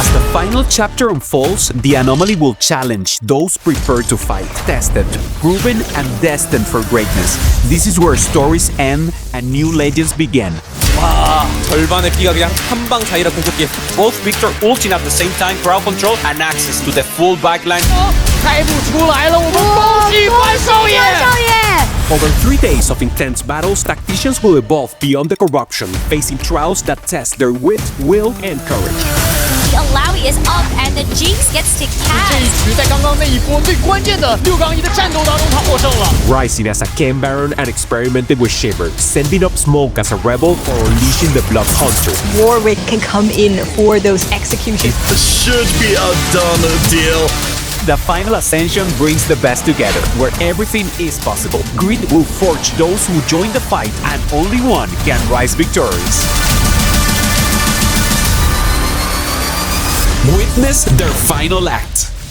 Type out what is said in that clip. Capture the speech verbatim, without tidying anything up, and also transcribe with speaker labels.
Speaker 1: As the final chapter unfolds, the anomaly will challenge those prepared to fight, tested, proven, and destined for greatness. This is where stories end and new legends begin.
Speaker 2: 와, 절반의 피가 그냥 한 방 사이로 공격기. Both Victor ulting at the same time, crowd control and access to the full backline.
Speaker 3: 开不出来了，我们恭喜关少爷！
Speaker 1: Over three days of intense battles, tacticians will evolve beyond the corruption, facing trials that test their wit, will, and courage.
Speaker 4: The Alawi is up and the Jinx gets to
Speaker 3: 这一
Speaker 4: cast.
Speaker 3: 局在刚刚那一波最关键的六杠一的战斗当中，他获胜了。
Speaker 1: Rising as a Ken Baron and experimenting with Shiver, sending up Smoke as a rebel or unleashing the Blood Hunter.
Speaker 5: Warwick can come in for those executions.
Speaker 6: Should be a done deal.
Speaker 1: The final ascension brings the best together, where everything is possible. Greed will forge those who join the fight, and only one can rise victorious. Witness their final act.